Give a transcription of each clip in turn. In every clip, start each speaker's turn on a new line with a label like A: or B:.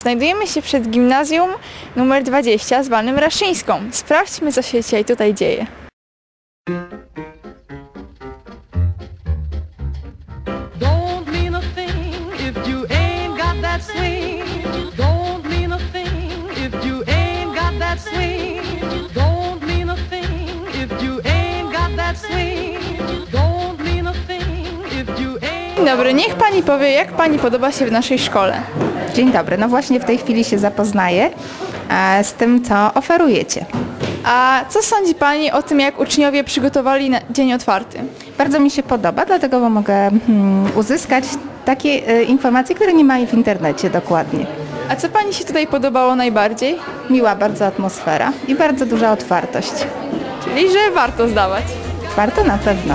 A: Znajdujemy się przed gimnazjum numer 20 zwanym Raszyńską. Sprawdźmy, co się dzisiaj tutaj dzieje. Dzień dobry, niech Pani powie, jak Pani podoba się w naszej szkole?
B: Dzień dobry, no właśnie w tej chwili się zapoznaję z tym, co oferujecie.
A: A co sądzi Pani o tym, jak uczniowie przygotowali na dzień otwarty?
B: Bardzo mi się podoba, dlatego bo mogę uzyskać takie informacje, które nie ma w internecie dokładnie.
A: A co Pani się tutaj podobało najbardziej?
B: Miła bardzo atmosfera i bardzo duża otwartość.
A: Czyli, że warto zdawać.
B: Warto na pewno.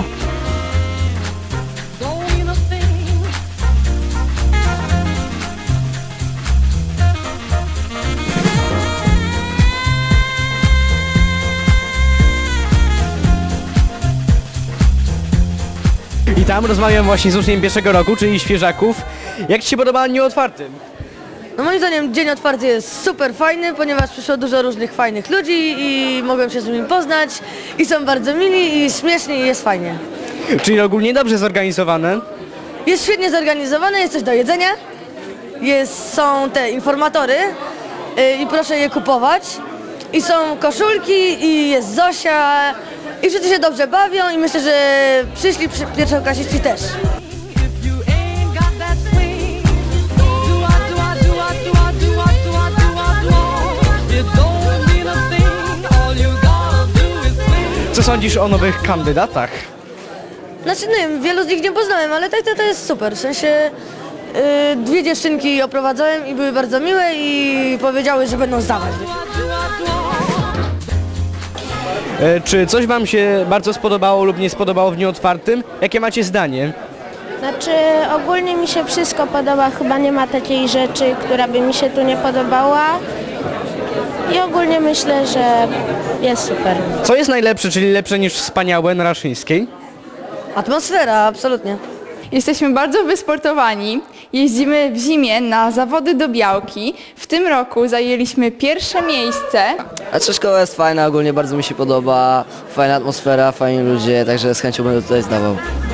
C: I tam rozmawiam właśnie z uczniem pierwszego roku, czyli świeżaków. Jak Ci się podoba dzień otwarty?
D: No moim zdaniem dzień otwarty jest super fajny, ponieważ przyszło dużo różnych fajnych ludzi i mogłem się z nimi poznać i są bardzo mili i śmieszni i jest fajnie.
C: Czyli ogólnie dobrze zorganizowane?
D: Jest świetnie zorganizowane, jest coś do jedzenia, są te informatory i proszę je kupować i są koszulki i jest Zosia i wszyscy się dobrze bawią i myślę, że przyszli pierwszoklasiści też.
C: Co sądzisz o nowych kandydatach?
D: Znaczy nie wiem, wielu z nich nie poznałem, ale tak to jest super, w sensie dwie dziewczynki oprowadzałem i były bardzo miłe i powiedziały, że będą zdawać.
C: Czy coś Wam się bardzo spodobało lub nie spodobało w dniu otwartym? Jakie macie zdanie?
E: Znaczy ogólnie mi się wszystko podoba, chyba nie ma takiej rzeczy, która by mi się tu nie podobała i ogólnie myślę, że jest super.
C: Co jest najlepsze, czyli lepsze niż wspaniałe na Raszyńskiej?
D: Atmosfera, absolutnie.
A: Jesteśmy bardzo wysportowani. Jeździmy w zimie na zawody do białki. W tym roku zajęliśmy pierwsze miejsce.
F: Znaczy szkoła jest fajna, ogólnie bardzo mi się podoba, fajna atmosfera, fajni ludzie, także z chęcią będę tutaj zdawał.